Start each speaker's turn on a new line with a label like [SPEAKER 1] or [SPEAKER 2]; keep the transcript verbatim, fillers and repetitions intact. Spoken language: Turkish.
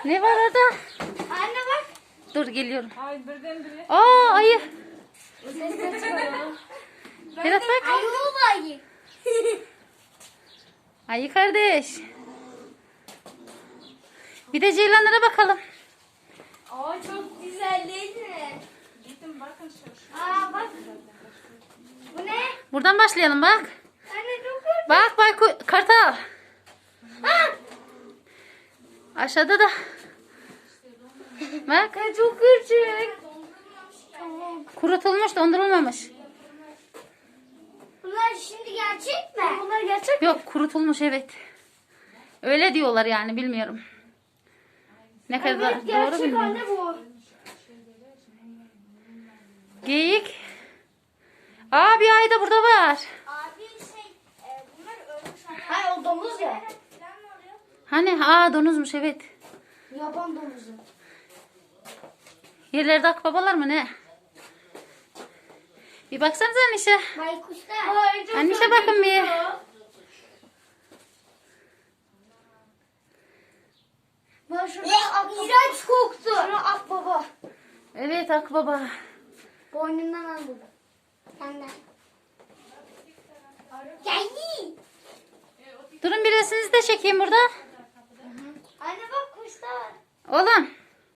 [SPEAKER 1] Ne var orada?
[SPEAKER 2] Anne bak.
[SPEAKER 1] Dur geliyorum.
[SPEAKER 3] Ay birdenbire.
[SPEAKER 1] Aa ayı.
[SPEAKER 2] Ses de çıkarıyor.
[SPEAKER 1] Berat bak.
[SPEAKER 2] Ayı o ayı.
[SPEAKER 1] Ayı kardeş. Bir de ceylanlara bakalım.
[SPEAKER 2] Aa çok güzel değil mi?
[SPEAKER 3] Gittim bakın şu.
[SPEAKER 2] Aa bak. Bu ne?
[SPEAKER 1] Buradan başlayalım bak.
[SPEAKER 2] Anne çok güzel.
[SPEAKER 1] Bak bak kartal.
[SPEAKER 2] Aa.
[SPEAKER 1] Aşağıda da. Bak.
[SPEAKER 2] Çok küçük. Tamam.
[SPEAKER 1] Kurutulmuş, dondurulmamış.
[SPEAKER 2] Bunlar şimdi gerçek mi? Bunlar gerçek
[SPEAKER 1] Yok kurutulmuş evet. Öyle diyorlar yani bilmiyorum. Ne kadar
[SPEAKER 2] Evet
[SPEAKER 1] doğru
[SPEAKER 2] gerçek
[SPEAKER 1] bilmiyorum.
[SPEAKER 2] anne bu.
[SPEAKER 1] Geyik. Aa bir ay da burada var.
[SPEAKER 2] Abi şey e, bunlar ölmüş anne. Hayır o domuz ya. Falan mı oluyor?
[SPEAKER 1] Hani aa donuzmuş evet.
[SPEAKER 2] Yaban domuzu.
[SPEAKER 1] Yerlerde akbabalar mı ne? Bir baksanıza Anişe.
[SPEAKER 2] Baykuşlar.
[SPEAKER 1] Anişe bakın bir.
[SPEAKER 2] Bak şurada akbaba. İğrenç koktu. Şurada akbaba.
[SPEAKER 1] Evet akbaba.
[SPEAKER 2] Boynundan al bunu. Senden. Geldi.
[SPEAKER 1] Durun bir resminizi de çekeyim burada.